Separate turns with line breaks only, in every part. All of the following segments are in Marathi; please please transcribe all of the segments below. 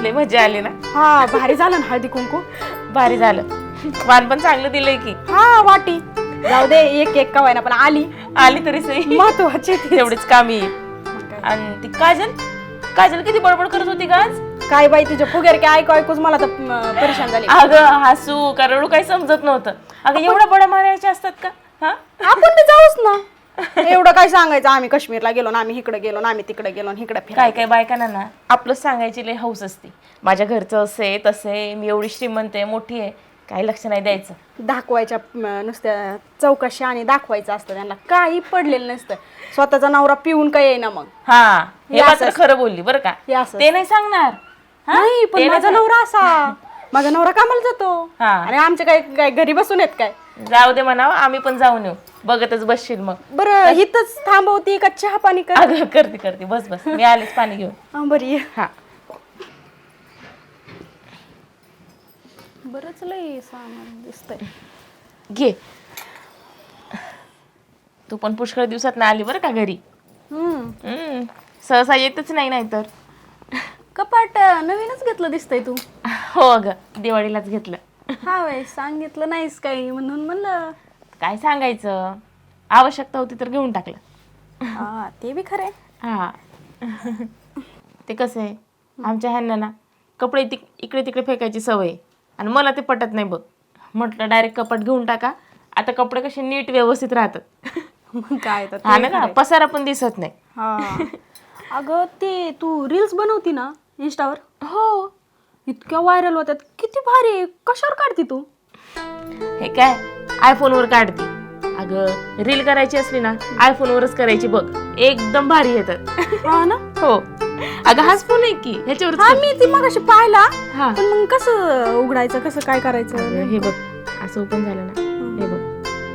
लय मजा आली ना.
हा भारी झालं ना हळदी कुंकू.
भारी झालं. वाण पण चांगलं दिलंय की.
हा वाटी जाऊ दे एक का व्हायना पण आली
तरी सही
महत्वाची
तेवढीच कामी येईल. आणि ती काजल किती बडबड करत होती का आज.
काय बाई तुझ्या फुगेर काय ऐकू ऐकूच मला तर परेशान झाली.
अगं हसू का रडू काही समजत नव्हतं. अगं एवढ्या बड्या मारायच्या असतात का. हा
आपण बी जाऊच ना. एवढं काय सांगायचं आम्ही काश्मीरला गेलो ना आम्ही इकडे गेलो ना आम्ही तिकडे गेलो ना इकडे
काय काय बायकांना ना आपलं सांगायची लय हौस असते. माझ्या घरचं असं तसे मी एवढी श्रीमंत आहे मोठी आहे काही लक्ष नाही द्यायचं.
दाखवायच्या नुसत्या चौकशी आणि दाखवायचं असतं त्यांना काही पडलेलं नसतं. स्वतःचा नवरा पिऊन काय येईना मग.
हा हे मात्र खरं बोलली बरं का. ते नाही सांगणार.
नाही पण माझा नवरा असा माझा नवरा कामाला जातो आणि आमचे काय घरी बसून येत काय.
जाऊ दे म्हणावं आम्ही पण जाऊन येऊ बघतच बसशील मग.
बरं हिथच थांबवती का चहा पाणी
करते बस मी आलेच पाणी घेऊन.
बरी
हा
बरंच लय सामान दिसतंय.
घे. तू पण पुष्कळ दिवसात ना आली बरं का घरी. सहसा येतच नाही तर.
कपाट नवीनच घेतलं दिसतंय तू.
हो ग दिवाळीलाच घेतलं.
हा वय सांगितलं नाहीस काही म्हणून म्हणलं.
काय सांगायचं आवश्यकता होती तर घेऊन टाकलं.
हा ते बी खरंय.
हा ते कसं आहे आमच्या ह्यांना ना कपडे इकडे तिकडे फेकायची सवय आणि मला ते पटत नाही बघ. म्हटलं डायरेक्ट कपाट घेऊन टाका. आता कपडे कसे नीट व्यवस्थित राहतात.
काय
हा ना पसारा पण दिसत नाही.
हा अगं ते तू रील्स बनवती ना इंस्टावर.
हो
इतक्या व्हायरल होतात किती भारी. कशावर काढते तू.
हे काय आयफोनवर काढते. अगं रील करायची असली ना आयफोनवरच करायची बघ एकदम भारी येतात.
हा ना.
हो अगं हाच फोन आहे की ह्याच्यावर.
हा मी ती मगाशी पाहिला
हा
पण मग कसं उघडायचं कसं काय करायचं.
हे बघ असं ओपन झालं ना हे बघ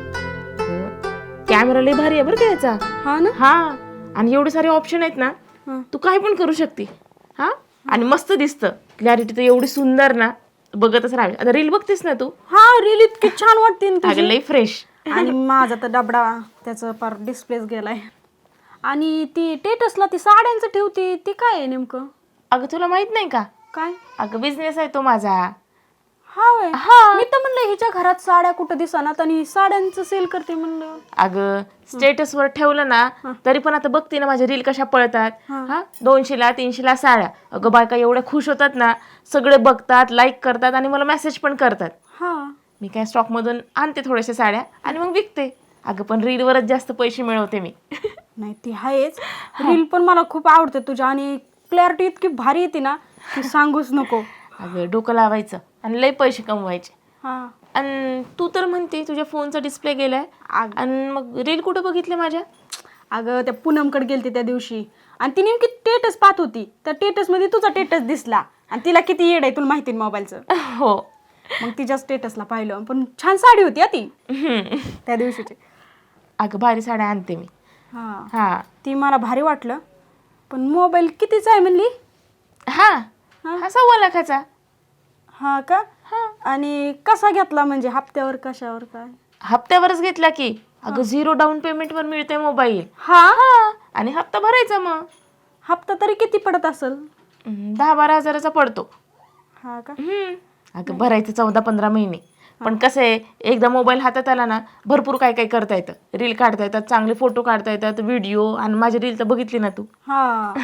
कॅमेरा लय भारी आहे बरं का याचा.
हा ना.
हा आणि एवढे सारे ऑप्शन आहेत ना तू काय पण करू शकते. हा आणि मस्त दिसतं क्लॅरिटी तर एवढी सुंदर ना बघतच राहावी. आता रील बघतेस ना तू.
हा रील इतकी छान वाटते
अगं लय फ्रेश.
आणि माझा तर डबडा त्याचं पार डिस्प्लेच गेलाय. आणि ती टेटसला ती साड्यांचं ठेवती ती काय आहे नेमकं.
अगं तुला माहित नाही का.
काय.
अगं बिझनेस आहे तो माझा.
हा वय. मी तर म्हणलं हिच्या घरात साड्या कुठं दिसणार आणि साड्यांचं सेल करते म्हणलं.
अगं स्टेटसवर ठेवलं ना तरी पण आता बघते ना माझ्या रील कशा पळतात. हा 200ला 300ला साड्या. अगं बायका एवढ्या खुश होतात ना सगळे बघतात लाईक करतात आणि मला मेसेज पण करतात.
हा
मी काय स्टॉक मधून आणते थोड्याशा साड्या आणि मग विकते. अगं पण रीलवरच जास्त पैसे मिळवते मी.
नाही ती आहेच. रील पण मला खूप आवडते तुझ्या आणि क्लॅरिटी इतकी भारी येते ना की सांगूच नको.
अगं डोकं लावायचं आणि लय पैसे कमवायचे.
हा
आणि तू तर म्हणते तुझ्या फोनचा डिस्प्ले गेलाय आणि मग रील कुठं बघितले माझ्या.
अगं त्या पूनमकडे गेलते त्या दिवशी आणि ती नेमकी टेटस पाहत होती. त्या टेटस मध्ये तुझा टेटस दिसला आणि तिला किती येड आहे तुला माहिती मोबाईलचं.
हो
मग तिच्या स्टेटसला पाहिलं पण छान साडी होती ती त्या दिवशीची.
अगं भारी साड्या आणते मी.
हा ती मला भारी वाटलं पण मोबाईल कितीचा आहे म्हणली.
हा 1.25 लाखाचा.
हा का. आणि कसा घेतला म्हणजे हप्त्यावर कशावर काय.
हप्त्यावरच घेतला की. अगं 0 डाऊन पेमेंट वर मिळते मोबाईल.
हा
आणि हप्ता भरायचा मग.
हप्ता तरी किती पडत असेल.
10-12 हजाराचा पडतो.
हा का.
अगं भरायचं 14-15 महिने. पण कसं आहे एकदा मोबाईल हातात आला ना भरपूर काय काय करता येतं. रील काढता येतात चांगले फोटो काढता येतात व्हिडिओ. आणि माझी रील तर बघितली ना तू.
हा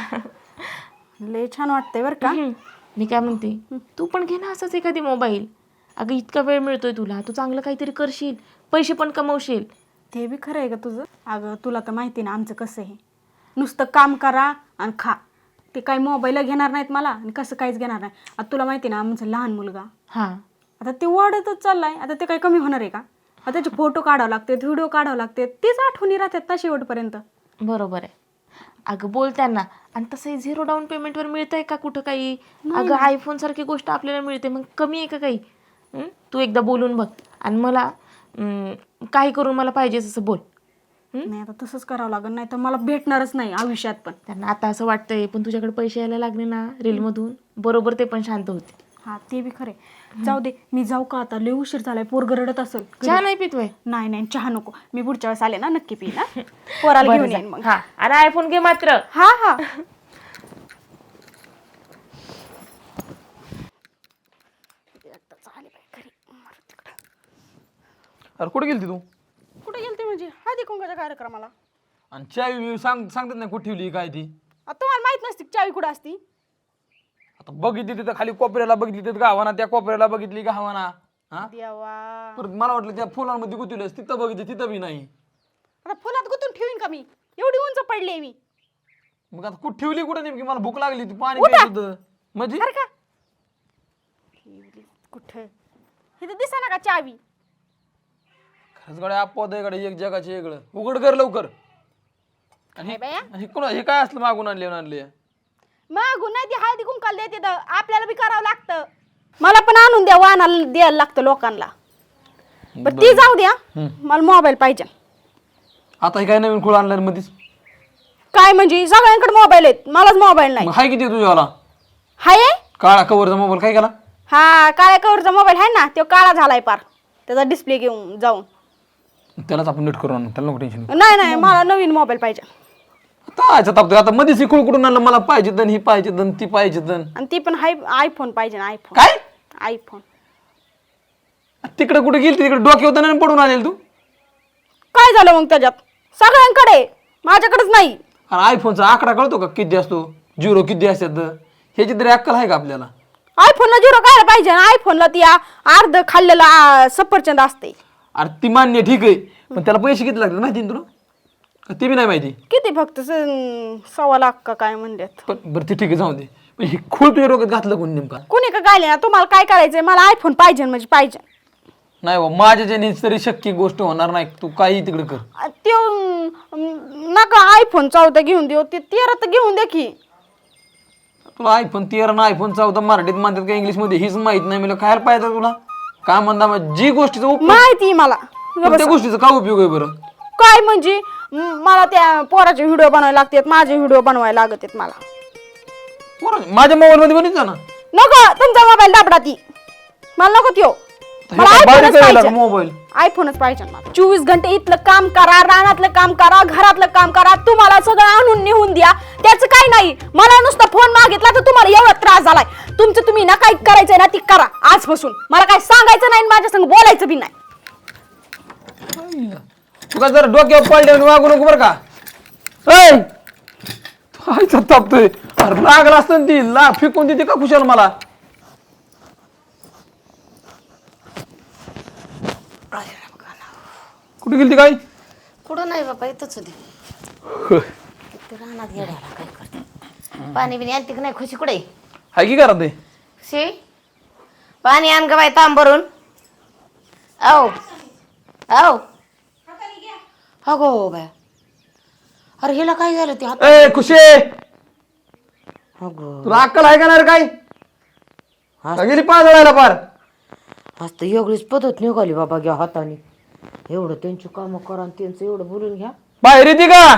लय छान वाटतंय बरं का.
मी काय म्हणते तू पण घे ना असंच एखादी मोबाईल. अगं इतका वेळ मिळतोय तुला तू चांगलं काहीतरी करशील पैसे पण कमवशील.
ते बी खरं आहे का तुझं. अगं तुला तर माहिती ना आमचं कसं आहे नुसतं काम करा आणि खा. ते काही मोबाईल घेणार नाहीत मला आणि कसं काहीच घेणार नाही. आता तुला माहिती ना आमचं लहान मुलगा. आता ते वाढतच चाललाय. आता ते काही कमी होणार आहे का. आता त्याचे फोटो काढावं लागते व्हिडिओ काढावं लागते तेच आठवणी राहतात ना शेवटपर्यंत.
बरोबर आहे. अगं बोल त्यांना. आणि तसंही 0 डाऊन पेमेंटवर मिळतंय का कुठं काही. अगं आयफोन सारखी गोष्ट आपल्याला मिळते मग कमी आहे का काही. तू एकदा बोलून बघ आणि मला काही करून मला पाहिजे असं बोल.
नाही आता तसंच करावं लागेल नाही तर मला भेटणारच नाही आयुष्यात पण.
त्यांना आता असं वाटतंय पण तुझ्याकडे पैसे यायला लागले ना रीलमधून बरोबर ते पण शांत होते.
हा ते बी खरे. जाऊ दे मी जाऊ का आता लय उशीर झालाय. पोरग रडत असेल.
चहा नाही पितोय.
नाही चहा नको. मी पुढच्या वेळेस आले ना नक्की पी ना. पोराला घेऊन येईन मग.
आणि आयफोन घे मात्र.
हा
अरे कुठे गेलती तू?
कुठे गेलते म्हणजे हळदी कुंकाच्या कार्यक्रमाला.
आणि चावी मी सांगतात नाही कुठे ठेवली काय ती.
आता तुम्हाला माहित नसते की चावी कुठं असती.
आता बघितली तिथं खाली कोपऱ्याला बघितली तिथं गावाना, त्या कोपऱ्याला बघितली गावाना. हा
देवा,
परत मला वाटलं त्या फुलांमध्ये गुंतवलंस, तिथं बघितली तिथं बी नाही.
आता फुलात गुतून ठेवीन का मी? एवढी उंच पडली मी.
मग आता कुठे ठेवली कुठं नेमकी? मला भूक लागली ती पाणी
उठा.
प्यायचं होतं. म्हणजे
अरे का कुठं इथं दिसा ना का चावी?
खरंच गड्या अपवाद आहे गड्या, एक जगाचे वेगळं. उघड कर लवकर. आणि
काय बाया?
हे काय असलं मागून आणले?
मागून नाही, ती हळदी कुंकाला देते तर आपल्याला बी करावं लागतं. मला पण आणून द्या, वाहनाला द्यायला लागतं लोकांना. बरं ती जाऊ द्या, मला मोबाईल पाहिजे.
आता हे काय नवीन खुळ आणलं मध्येच?
काय म्हणजे सगळ्यांकडे मोबाईल आहेत, मलाच मोबाईल नाही.
मग हाय किती तुझ्यावाला?
हाय
काळा कवरचा मोबाईल काय केला?
हा, काळ्या कवरचा मोबाईल आहे ना, तो काळा झालाय पार. त्याचा डिस्प्ले घेऊन जाऊन.
त्यालाच आपण नीट करू आणू, त्याला नको टेन्शन.
नाही मला नवीन मोबाईल पाहिजे.
आता मध्येच खुळ कुठून आणलं? मला पाहिजे दन, ही पाहिजे दन, ती पाहिजे दन.
आणि ती पण आयफोन पाहिजे ना. आयफोन
काय?
आयफोन.
तिकडे कुठे गेली? तिकडे डोक्यावर नाही पडून आलेल तू?
काय झालं मग त्याच्यात? सगळ्यांकडे, माझ्याकडेच नाही.
आणि आयफोनचा आकडा कळतो का किती असतो? 0 किती असतात? ह्याची तरी अक्कल आहे का आपल्याला?
आयफोनला 0 काय पाहिजे? आयफोनला ती अर्ध खाल्लेला सफरचंद असते.
अरे ती मान्य ठीक आहे, पण त्याला पैसे किती लागतात माहिती ना तुला? का ते बी नाही माहिती?
किती फक्त 1.25 लाख का काय म्हणतात.
पण बरं ते ठीक आहे, जाऊ दे. पण हे खूळ तुझ्या डोक्यात घातलं कोणी नेमका?
कुणी का गायले ना, तुम्हाला काय करायचंय? मला आयफोन पाहिजे म्हणजे पाहिजे.
नाही बा, माझ्या ज्याने तरी शक्य गोष्ट होणार नाही. तू काही तिकडे कर.
त्यो नका आयफोन 14 घेऊन देऊ, ते 13 तर घेऊन दे की.
तुला आयफोन 13 ना आयफोन 14 मराठीत म्हणतात का इंग्लिश मध्ये हीच माहित नाही. मला काय पाहिजे तुला? काय म्हणता जी गोष्टीचा उपयोग,
माहिती मला.
त्या गोष्टीचा काय उपयोग आहे बरं?
काय म्हणजे मला त्या पोराचे व्हिडिओ बनवायला लागतात, माझे व्हिडिओ बनवायला लागत आहेत मला.
माझ्या मोबाईल मध्ये बनीच ना.
नको तुमचा मोबाईल दाबडा ती, मला नको त्यो. मला आयफोनच पाहिजे.
मोबाईल
आयफोनच पाहिजे मला. 24 घंटे इथलं काम करा, रानातलं काम करा, घरातलं काम करा, तुम्हाला सगळं आणून नेऊन द्या, त्याचं काही नाही. मला नुसता फोन मागितला तर तुम्हाला एवढा त्रास झालाय. तुमचं तुम्ही ना काय करायचंय ना ती करा आजपासून. मला काय सांगायचं नाही, माझ्या संग बोलायचं बी नाही.
तुला जर डोक्यावर पडले वागू नको बरं का? तापतोय. अरे लागला असतं ती फेकून देते का खुशाल मला? कुठे गेली काय?
कुठं नाही बाबा, इथंच होती. ते रानात येड्याला काय करते? पाणी बिणी आणते की नाही? खुशी कुठे
हाय की करा ते?
शे पाणी आण ग बाई, तांब भरून. औ औ अगो बाय, अरे हिला काय झालं ते हात?
ए खुशे,
अगो
तुला अक्कल आहे का नाही रे? काय का गेली पाजळायला पार?
आज तर एवढीच पद्धत निघाली बाबा, घ्या हाताने. एवढं त्यांची कामं करा आणि त्यांचं एवढं बोलून घ्या.
बाहेर येते का?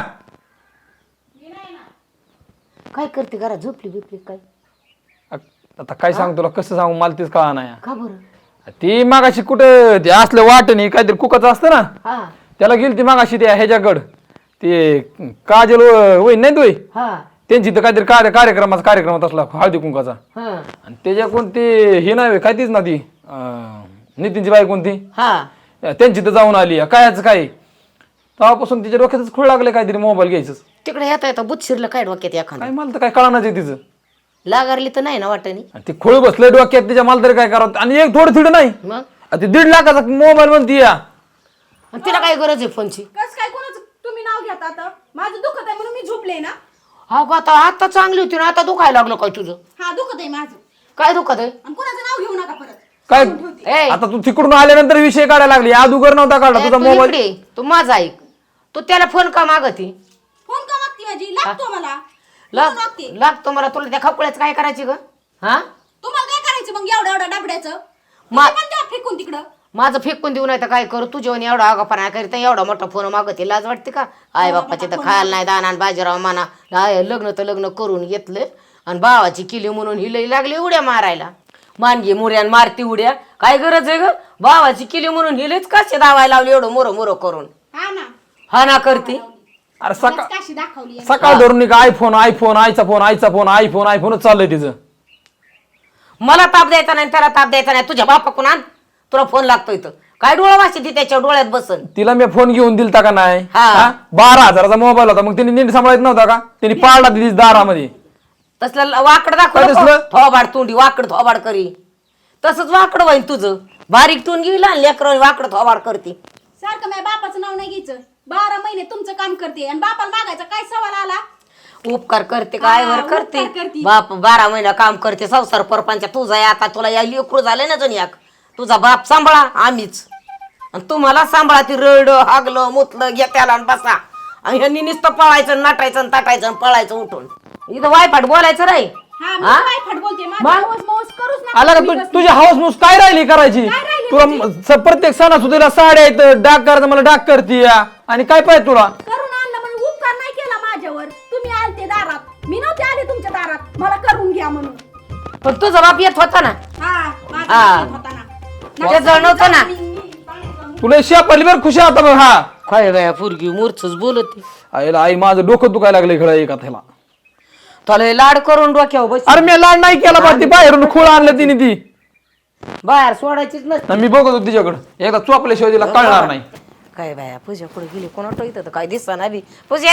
काय करते घरात? झोपली बिपली काय?
आता काय सांग तुला, कसं सांगू मला तेच कळा नाही.
का बरं?
ती मागाशी कुठं ते असलं वाटणी काहीतरी कुकाचं असतं ना,
हा
त्याला गेली ती मागाशी त्या ह्याच्याकडं, ते काजल होय नाही तू
हा
त्यांची तर काहीतरी कार्यक्रमात असला हळदी कुंकाचा.
हा
आणि त्याच्याकडून ते हे नाही काय तीच ना ती नितीनची बाई कोणती,
हा
त्यांची तर जाऊन आली. कायच काय तेव्हापासून तिच्या डोक्यातच खूळ लागले काहीतरी मोबाईल घ्यायचं.
तिकडे येता येता बुत शिरलं काय डोक्यात एखादं?
काय मला तर काय कळणार आहे तिचं.
लागारली तर नाही ना वाटणी?
आणि ते खोळ बसलंय डोक्यात तिच्या, मला तरी काय करावं. आणि एक थोडं थिडं नाही,
मग
ते 1.5 लाखाचा मोबाईल म्हणती या.
आणि तिला काय गरज आहे फोनची?
कस काय कोणाचं तुम्ही नाव घेता? आता माझं दुखत आहे म्हणून मी झोपले ना.
हा गो, आता चांगली होती ना, आता दुखायला लागलं काय तुझं?
हा दुखत आहे माझं.
काय दुखत आहे?
आणि कोणाचं नाव घेऊ नका परत.
काय
ए,
आता तू तिकडून आल्यानंतर विषय काढायला लागली. अगोदर नव्हता काढला
ए,
तुझा
तू
मोबाईल.
इकडे, तू माझा ऐक. तू त्याला फोन का मागती?
फोन का मागती माझी? लागतो मला.
लागतो मला. तुला त्या खपळ्याच काय करायची ग? हा
तुम्हाला काय करायचं मग एवढ्या डबड्याचं?
मा-
पण द्या फेकून तिकडं.
माझं फेकून देऊ नाही तर काय करू? तुझ्या एवढा आगापणा करीत एवढा मोठा फोन मागते, लाज वाटते का? आई बाप्पाचे तर खायला नाही दाना, बाजीराव म्हणा लग्न तर लग्न करून घेतलं आणि भावाची किली म्हणून ही लई लागली उड्या मारायला. मानगी मुऱ्यान मारती उड्या, काय गरज आहे ग? भावाची किली म्हणून ही लईच कसे दावायला लावली एवढं मोर करून.
हा ना,
हा ना करती.
अरे
काशी दाखवली.
सकाळ धरून का आयफोन आईचा फोन आयफोनच चाललंय तिचं.
मला ताप द्यायचा नाही, त्याला ताप द्यायचा नाही. तुझ्या बापाकडून आण, तुला फोन लागतोय तर काय डोळा वाचते ती त्याच्या डोळ्यात बसन.
तिला मी फोन घेऊन दिलता का नाही?
हा.
12,000चा मोबाईल होता, मग तिने नीट सांभाळत नव्हता का? तिने पाळला तिथे दारामध्ये.
तसलं वाकड
काय
दाखव
दिसलं?
थोबाड तोंडी वाकड थोबाड करी. तसंच वाकड होईन तुझं. बारीक तोंड घेईल आणि लेकर वाकड थोबाड करते.
सारखं माझ्या बापाचं नाव नाही घ्यायचं. 12 महिने तुमचं काम करते आणि बापाला मागायचा काय सवाल आला?
उपकार करते काय वर करते बाप 12 महिना काम करते संसार परपंच तुझा आहे. आता तुला या लेकरू झाले ना जण याक तुझा बाप सांभाळा आम्हीच आणि तुम्हाला सांभाळा. ती रड हागलं मुतलं घेत्याला आणि बसा आणि ह्यांनी नुसतं पळायचं नाटायचं आणि ताटायचं आणि पळायचं उठून. इथं वायफाट बोलायचं नाही.
हा मी काय फट बोलते माझं मौज करूच नका.
आला का तुझी हाऊस मूस काय राहिली करायची? तुला प्रत्येक सणासुदीला साड्या आहेत, डाक करायचं मला डाक करते आणि काय पाहिजे तुला?
करून आणलं म्हणून उपकार नाही केला माझ्यावर. तुम्ही आलते दारात, मी नव्हते आले तुमच्या दारात मला करून घ्या म्हणून.
पण तुझा बाप येत होता ना.
हा माझा
हा.
बाप होता ना.
ते जण नव्हतं ना.
तुला शेपडली बरं खुशी आता बघ. हा
काय बाया पोरगी मूर्छच बोलते.
आईला आई माझं डोकं दुखायला लागलं इकडं एका त्याला.
तुला हे लाड करून डोक्यावर बस.
अरे मी लाड नाही केला बा, ती बाहेरून खोळ आणलं तिने ती.
बाहेर सोडायचीच नसते.
मी बघत होतो तिच्याकडं, एकदा चोपल्याशिवाय तिला कळणार नाही.
काय बाया पूजा पुढे गेली कोणाला इथं तर काय दिसत ना बी. पूजा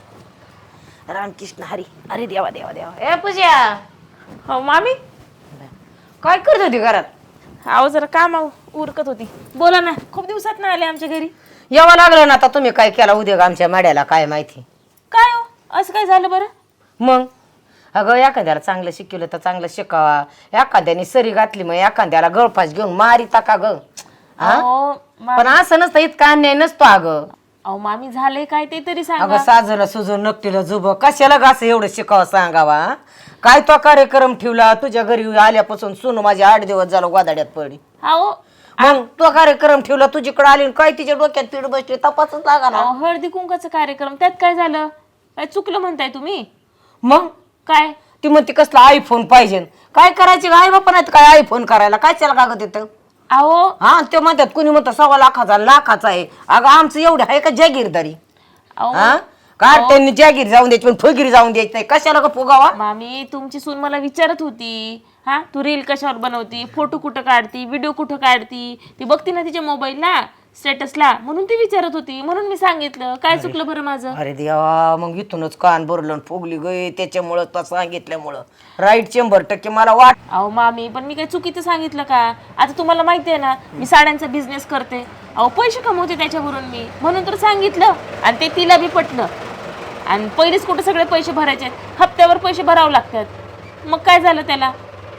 रामकृष्ण हरी अरे देवा देवा देवा. ए पूजा
हो मामी.
काय करत होती घरात?
अहो जरा काम उरकत होती. बोला ना, खूप दिवसात ना आले आमच्या घरी.
यावं लागलं ना आता. तुम्ही काय केला उद्योग आमच्या माड्याला काय माहिती.
काय हो असं काय झालं बरं?
मग अगं एखाद्याला चांगलं शिकवलं तर चांगलं शिकावा. एखाद्याने सरी घातली मग एखाद्याला गळफास घेऊन मारिता का ग?
अहो
पण असं नसतं इतका अन्याय नसतो अगं.
अहो मामी झालंय काय ते तरी सांगा.
अगं साजला सुजून नकटीला जुब कशाला ग असं एवढं शिकावं सांगावा? काय तो कार्यक्रम ठेवला तुझ्या घरी आल्यापासून सुनू माझी 8 दिवस झालं गोदाड्यात पडली.
अहो
मग तो कार्यक्रम ठेवला तुझीकडे आली आणि काय तिच्या डोक्यात पीड बसली तपासच लागा ना.
अहो, हळदी कुंकाचा कार्यक्रम त्यात काय झालं? काय चुकलं म्हणताय तुम्ही?
मग
काय
ती म्हणते कसला आयफोन पाहिजे. काय करायची आई बापा नाही काय आयफोन करायला काय चला कागद येतं.
अहो
हा ते म्हणतात कुणी म्हणतं 1.25 लाखाचा लाखाचा आहे. अगं आमचं एवढं आहे का जागीरदारी?
अहो
हा का त्यांनी जागीर जाऊन द्यायची पण फुगीर जाऊन द्यायची नाही. कशाला का फुगावा?
मामी तुमची सून मला विचारत होती, हा तू रील कशावर बनवती, फोटो कुठं काढती, व्हिडिओ कुठं काढती, ती बघती ना तिच्या मोबाईलला स्टेटसला, म्हणून ती विचारत होती. म्हणून मी सांगितलं. काय चुकलं बरं माझं?
अरे देवा मग इथूनच कान भरलं आणि फुगली गई त्याच्यामुळं तो सांगितल्यामुळं. राईट 100% मला वाट.
अहो मामी पण मी काय चुकीचं सांगितलं का? आता तुम्हाला माहिती आहे ना मी साड्यांचा बिझनेस करते. अहो पैसे कमवते त्याच्यावरून मी, म्हणून तर सांगितलं. आणि ते तिला बी पटलं. आणि पहिलेच कुठे सगळे पैसे भरायचे, हप्त्यावर पैसे भरावं लागतात. मग काय झालं त्याला?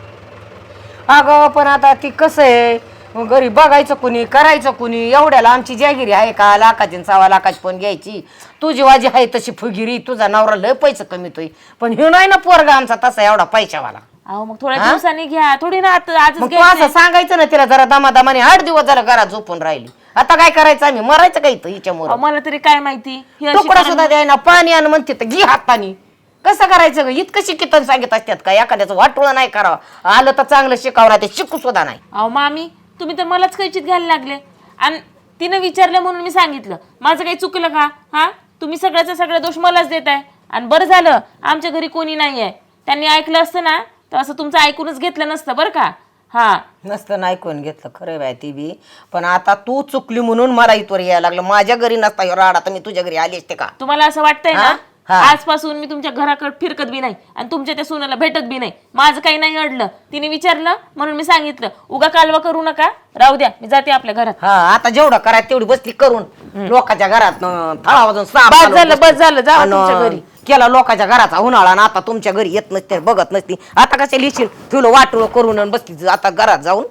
अगं पण आता ती कसं आहे घरी बघायचं कुणी करायचं कुणी. एवढ्याला आमची जागिरी आहे का? लाखाची 1.25 लाखाची पण घ्यायची. तुझी वाजी आहे तशी फुगिरी. तुझा नवरा लय पैसे कमीतोय पण हे नाही ना पोरगा आमचा तसा एवढा पैशावाला.
अहो मग थोड्या दिवसांनी घ्या, थोडी ना आजच
मग तू
घ्यायचंय.
असं सांगायचं ना तिला जरा दमादमाने. 8 दिवस जरा घरात झोपून राहिली. आता काय करायचं आम्ही? मरायचं काय इथं हिच्यामुळे?
अहो, मला तरी काय माहिती ही अशी
तुकडा सुद्धा द्यायना पाणी आण म्हणते तर घे हातानी. कसं करायचं ग? इतकं शिकितन सांगत असतात का? एखाद्याचं वाटोळं नाही करावं. आलं तर चांगलं शिकावं ते शिकू सुद्धा नाही.
अहो मामी तुम्ही तर मलाच कैचित घ्यायला लागले. आणि तिनं विचारलं म्हणून मी सांगितलं. माझं काही चुकलं का? हा तुम्ही सगळ्याचा सगळा दोष मलाच देताय. आणि बरं झालं आमच्या घरी कोणी नाही आहे. त्यांनी ऐकलं असतं ना तर असं तुमचं ऐकूनच घेतलं नसतं बरं का. हा
नसतं नाही कोण घेतलं खरं बाय ती बी. पण आता तू चुकली म्हणून मला इथवर यायला लागलं. माझ्या घरी नसता ह्यो राडा तर मी तुझ्या घरी आली असते का?
तुम्हाला असं वाटतंय
हा?
ना
हा.
आजपासून मी तुमच्या घराकडे फिरकत बी नाही आणि तुमच्या त्या सोनाला भेटत बी नाही. माझं काही नाही अडलं. तिने विचारलं म्हणून मी सांगितलं. उगा कालवा करू नका. राहू द्या मी जाते आपल्या घरात.
हा आता जेवढं करायचं तेवढी बसली करून लोकांच्या घरात थळा वाजून
बस झालं जावा तुमच्या घरी.
केला लोकांच्या घराचा उन्हाळा आणि आता तुमच्या घरी येत नसते बघत नसती. आता कशा लिहिशील तुला वाटोळ करून आणि बसली आता घरात जाऊन.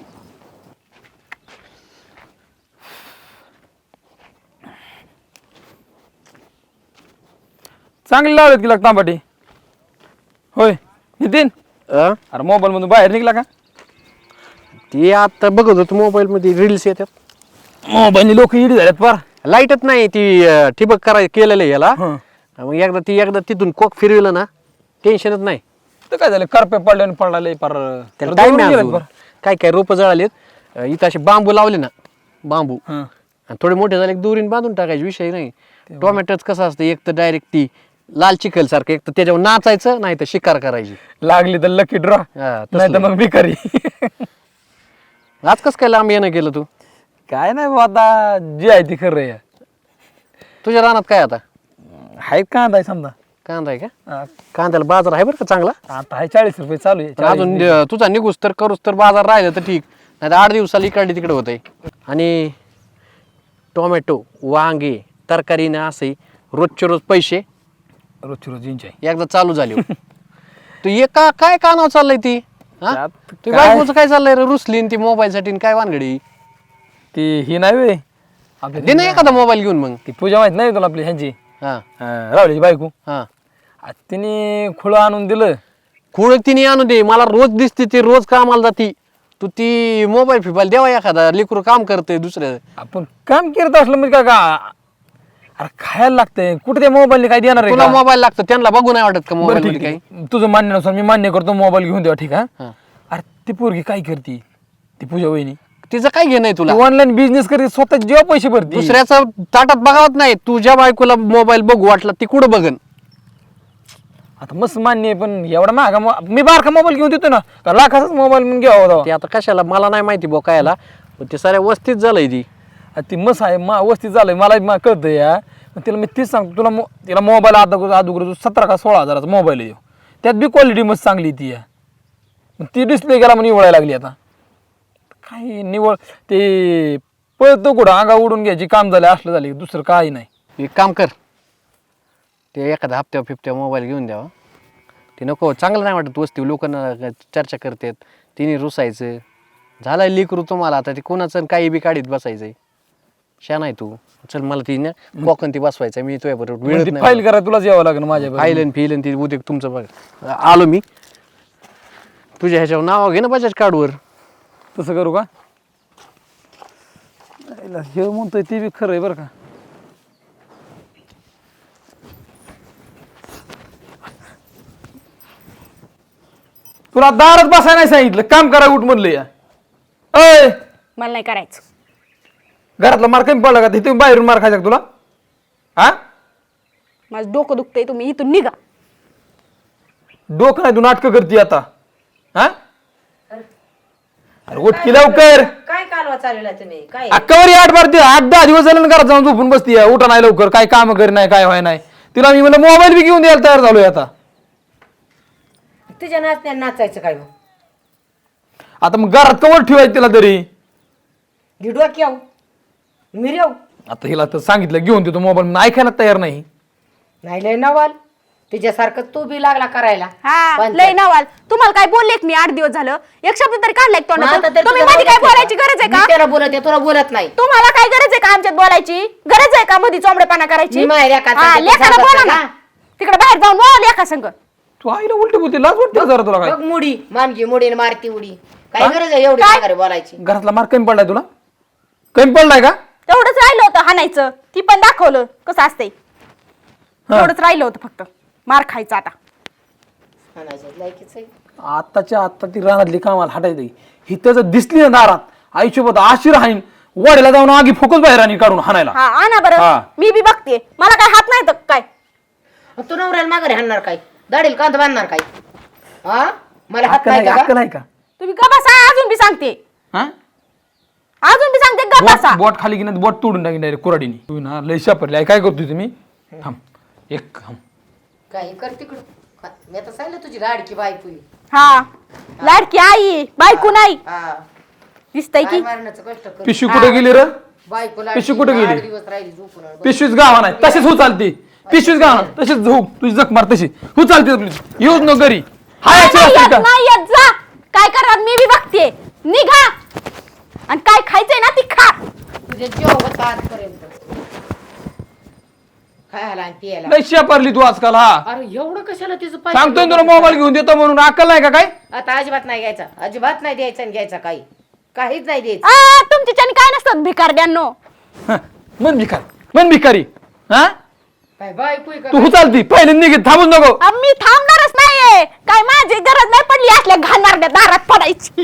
चांगली लावलेत की लागता तांबाटी. होय नितीन, अरे मोबाईल मधून बाहेर निघला का?
ती आता बघत होतो मोबाईल मध्ये रील्स येतात.
मोबाईल लोक इडी झाल्यात फार.
लाईटच नाही ती ठिबक कराय केलेलं आहे याला.
हं.
मग एकदा तिथून कोक फिरविलं ना टेन्शनच नाही.
तर काय झालं करपे पडले आणि पडला फार.
त्याला टाइम काय काय रोपं जळालेत. इथं असे बांबू लावले ना बांबू आणि थोडे मोठे झाले दुरीन बांधून टाकायचे विषय नाही. टोमॅटोच कसं असतं एक तर डायरेक्ट ती लाल चिखल सारखं एक तर त्याच्यावर नाचायचं नाही तर शिकार करायची.
लागली तर लकी ड्रॉ
हा,
नाही तर मग भिकारी.
आज कसं काय लांब येणं केलं तू?
काय नाही बाबा, आता जे आहे ते खरं आहे.
तुझ्या रानात काय आता?
आहेत कांदा आहे समजा.
कांदा आहे का?
हा,
कांद्याला बाजार आहे बरं का चांगला.
आता आहे 40 रुपये चालू आहे.
पण अजून तुझा निघूस तर करूस तर बाजार राहिलं तर ठीक, नाही तर 8 दिवसाला इकडे तिकडे होतंय. आणि टोमॅटो, वांगे, तरकारीने असे रोजचे रोज पैसे
रोजची रोज इंच आहे.
एकदा चालू झाले. तू काय कानावर चाललंय ती? हा?
त्यात
तू
काय?
बायकोचं काय चाललंय रे? रुसली ती मोबाईल साठी आणि काय वानगडी?
ती ही नाही वे आपली
दे ना एखादा मोबाईल घेऊन मग.
ती पूजा माहित नाही तुला आपली ह्यांची
हा
रावलीची बायको.
हा
तिने खुळं आणून दिलं.
खुळ तिने आणू दे, मला रोज दिसते ती, रोज कामाला जाती. तू ती मोबाईल फिबाईल देवा एखादा, लेकरू काम करते दुसऱ्या.
आपण काम करत असलं म्हणजे का अरे खायला लागतंय कुठे त्या मोबाईलने काय देणार आहे
तुला
का?
मोबाईल लागतो, त्यांना बघू नाही वाटत का
बरं
मोबाईल
ठीक
मध्ये काही?
आहे. तुझं मान्यानुसार मी मान्य करतो, मोबाईल घेऊन द्या ठीक आहे.
हा.
अरे ती पोरगी काय करते, ती पूजा वहिनी
तिचं काय घेणं आहे तुला?
ऑनलाईन बिझनेस करते, स्वतः जेव्हा पैसे भरते.
दुसऱ्याचं ताटात बघावत नाही. तुझ्या बायकोला मोबाईल बघू वाटला ती कुठं बघन?
आता मस्त मान्य आहे, पण एवढा महागा मी बारका मोबाईल घेऊन देतो ना, का लाखाचाच मोबाईल म्हणून घ्यावा होता.
ते आता कशाला मला नाही माहिती बो कायला, पण ते साऱ्या वस्तीत झालंय ती.
ती मस्त आहे वस्ती झालंय, मला कळतं या. पण तिला मी तीच सांगतो, तिला मोबाईल अगोदर 17 का 16 हजाराचा मोबाईल आहे, त्यात बी क्वालिटी मस्त चांगली ती या. ती डिस्प्ले गेला म्हणून निवडायला लागली. आता काय निवड ते पळतो कुठं अंगा उडून घ्यायची काम झालं, असलं झाले दुसरं काही नाही.
एक काम कर, ते एखादा हप्त्या फिफ्त्या मोबाईल घेऊन द्यावा. ते नको, चांगलं नाही वाटत वस्ती, लोकांना चर्चा करतात, तिने रुसायचं. झालं लेकरू तुम्हाला आता, ते कोणाचं काही बी काढीत बसायचंय. शा नाही तू, चल मला ती ना कोकण ती बसवायचं, मी तुझ्या बरोबर वेळच नाही.
फाईल करा तुलाच यावं लागेल माझ्या
फाईल फिल ती उद्या तुमचं बघ. आलो मी तुझ्या ह्याच्यावर नाव घे ना बजाज कार्डवर.
तसं करू का? हे म्हणतोय ते बी खरं आहे बरं का. तुला दारात बसायला नाही सांगितलं, काम करा उठ म्हणलं या. अय
मला नाही करायचं.
घरातला मार कमी पडला का? तिथे बाहेरून मार खायचा का तुला? हा
माझं डोकं दुखतंय, तुम्ही इथून निघा.
डोकं नाही तू नाटकं करते आता. हा अरे उठ की लवकर.
काय कालवा चाललेला तुम्ही? काय
अक्कावरी 8-10 दिवस झाले ना घरात जाऊन झोपून बसती. उठा नाही लवकर, काय काम करी नाही, काय व्हाय नाही. तिला मी म्हणलं मोबाईल बी घेऊन द्यायला तयार झालोय आता.
तुझ्या नाचायचं काय मग?
आता मग घरात कवर ठेवायचं तिला तरी.
गिडवा की आऊ मिरव
आता हिला तर सांगितलं घेऊन देतो मोबाईल, म्हणून ऐकायला तयार नाही.
नाही लय नवाल तुझ्यासारखं तू बी लागला करायला.
हा
पण
लय नवाल. तुम्हाला काय बोलले मी 8 दिवस झालं? एक शब्द तरी काढलाय का
मग आता
तोंडातून?
तरी
तुम्ही
तुला
मध्ये काय
बोलायचं
बोलायची गरज आहे
मी
का?
त्याला बोलत आहे, तुला बोलत नाही.
तुम्हाला काय गरज आहे का आमच्यात बोलायची? गरज आहे का मध्ये चोंबडेपणा करायची?
मी माझ्या लेकाचं
हा,
ते
लेकाला
सांगत
बोला
नाही
ना. तिकडे बाहेर जाऊन बोला लेका संग.
तू आईला उलटी बोलते, लाज वाटते जरा तुला. काय
बघ मुडी मानगी मुडीने मारती उडी. काय गरज आहे एवढी माघारी बोलायची?
घरातला मार कमी पडलाय तुला? कमी पडलाय का?
तेवढंच राहिलं होतं हाणायचं, ती पण दाखवलं कसं असतंय. तेवढंच राहिलं होतं फक्त मार खायचा. आता
म्हणायचं लायकीच आहे.
आत्ताच्या आत्ता ती रानातली कामाला हटायची. ही त्याचं दिसली ना दारात, आयुष्यभर आशीर हाईन वाड्याला जाऊन आगी फोकस बाहेर आणि काढून हाणायला.
हा आणा बरं,
हा.
मी बी बघते. मला काय हात नाही तर काय?
मग तू नवऱ्याला माघारी हाणणार काय? दाढील कांदा बांधणार काय? हा मला हात
अक्कल
नाही
आहे
का?
का? अक्कल आहे का?
तुम्ही ग बसा. अजून बी सांगते,
हा?
अजून बी सांगते ग बसा.
बोट खाली की नाही बोट तोडून टाकीन डायरेक्ट कुराडीने. तू ना लय शापरली. काय करतोय तुम्ही? थांब एक थांब.
काय कर तिकडं. मी आता सांगितलं तुझी लाडकी बायको आहे.
हा लाडकी आई बायको नाही
हा
दिसतंय
काय
की?
मारण्याचं कष्ट कर.
पिशवी कुठे गेली रे?
बायको
पिशवी कुठे गेली?
8 दिवस राहिली झोपून.
पिशवीच गावा नाही, तशीच हो चालती. पिशवीच गावा तशीच झोप, तुझी जख मार तशी हो चालते आपली. येऊच न घरी. हाय
नाही,
याची
नाही
असते
येत,
का?
नाही येत. जा काय करणार मी बी बघते. निघा आणि काय खायचंय ना ती खा.
तुझे जेव होता आजपर्यंत खायला आणि प्यायला.
लय शापरली तू आजकाल. हा
अरे एवढं कशाला तिचं
सांगतोय तुला मोबाईल घेऊन देतो म्हणून. अक्कल नाही का काय?
आता अजिबात नाही घ्यायचा, अजिबात नाही द्यायचा आणि घ्यायचा काही काहीच नाही द्यायचं.
तुमच्याच्याने काय नसतं भिकारड्यांनो.
हं, मन भिकारी, मन भिकारी. हा
काय बायको आहे का?
तू हो चालती पहिले निघत, थांबूच नको.
मी थांबणारच नाहीये. काय माझी गरज नाही पडली असल्या घालणाऱ्या दारात पडायची.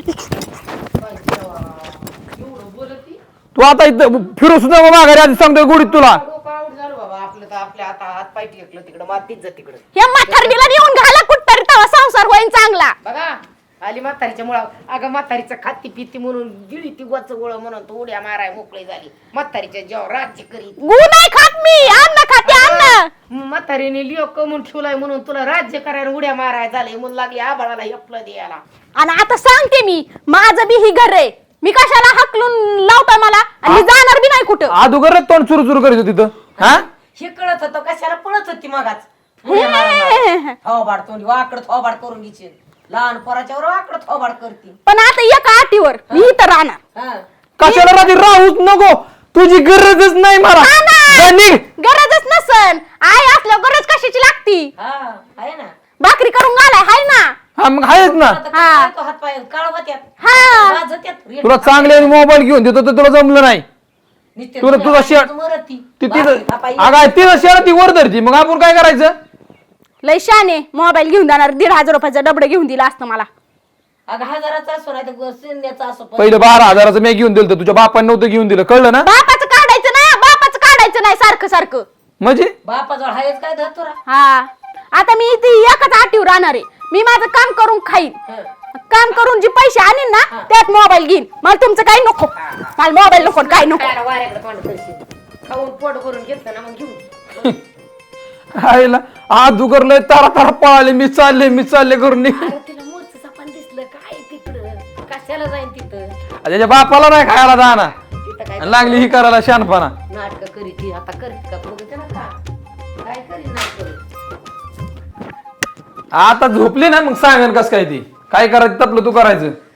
एवढं बोलती
तू आता इथं फिरू सुद्धा माघारी आधी सांगतोय गोडीत तुला.
डोकं आऊट झालं बाबा आपलं. तर आपल्या आता हात पाय टेकलं तिकडं मातीच जा तिकडं.
या म्हातारणीला नेऊन घाला कुठतरी तवा संसार होईन चांगला.
बघा आली म्हातारीच्या मुळा. अगं म्हातारीचं खाती पिती म्हणून गिळी ती गोच गोळ म्हणून तू उड्या माराय मोकळी झाली. म्हातारीच्या जेव्हा राज्य करीत
गु नाही खात मी, अन्न खाते अन्न.
म्हातारीने लिओ कमून ठेवलाय म्हणून तुला राज्य करायला उड्या माराय झाले म्हणून लागली आबाळाला हेपलं द्यायला.
आणि आता सांगते मी, माझं बी ही घर आहे, मी कशाला हकलून लावताय मला, आणि मी जाणार बी नाही कुठं.
अगोदर तोंड चुरू चुरू करीत होती तिथं हा
हे कळत होतं कशाला पळत होती मगाच. थोबाड तोंडी वाकड थोबाड करून घ्यायची. लहान पोराच्यावर वाकड थोबाड करते.
पण आता एका अटीवर मी इथं राहणार.
कशाला राहते? राहूच नको, तुझी गरजच नाही मला. जा निघ.
गरजच नसन, आई असल्यावर गरज कशाची लागती?
हा आहे ना.
भाकरी करून घालाय हाय ना.
हा मग आहेच ना.
हात पाय काळ होत्यात.
हा
वाजत्यात.
तुला चांगले मोबाईल घेऊन देतो तर तुला जमलं नाही.
नुसते
तुला तुझा शेअर
मरती.
ती तिथं अगं तिथं शेअर ती वर धरती, मग आपण काय करायचं?
लय शाने मोबाईल घेऊन जाणार, 1,500 रुपयाचा डबडं घेऊन दिला असतं मला.
अगं हजाराचा असो नाही तर शून्याचा असो.
पहिलं 12,000चं मी घेऊन दिलं, तुझ्या बापाने नव्हतं घेऊन दिलं, कळलं ना?
बापाचं काढायचं नाही, बापाचं काढायचं नाही सारखं सारखं.
म्हणजे
बापाजवळ हायच काय धतुरा.
हा आता मी इथे एकच आटीवर राहणार आहे. मी माझं काम करून खाईन, काम करून जे पैसे आणीन ना त्यात मोबाईल घेईन. मला तुमचं काही नको, मला मोबाईल नको, काय नको.
खायला वाऱ्याकडे तोंड करशील. खाऊन पोट भरून घेतलं ना मग घेऊन.
आईला आज उगरलंय, तारा तारा पळाले, मी चालले करून निघ.
अरे तिला मोरचं सापान दिसलं काय तिकडं, कशाला जाईन तिथं.
त्याच्या बापाला नाही खायला जाणार,
तिथं काय
आणि लागली ही करायला शानपणा.
नाटक करीत ती आता करत का बघते ना का काय करीत नाही करत.
आता झोपली ना मग सांगन कस काय ती काय करायचं तपलं तू करायचं.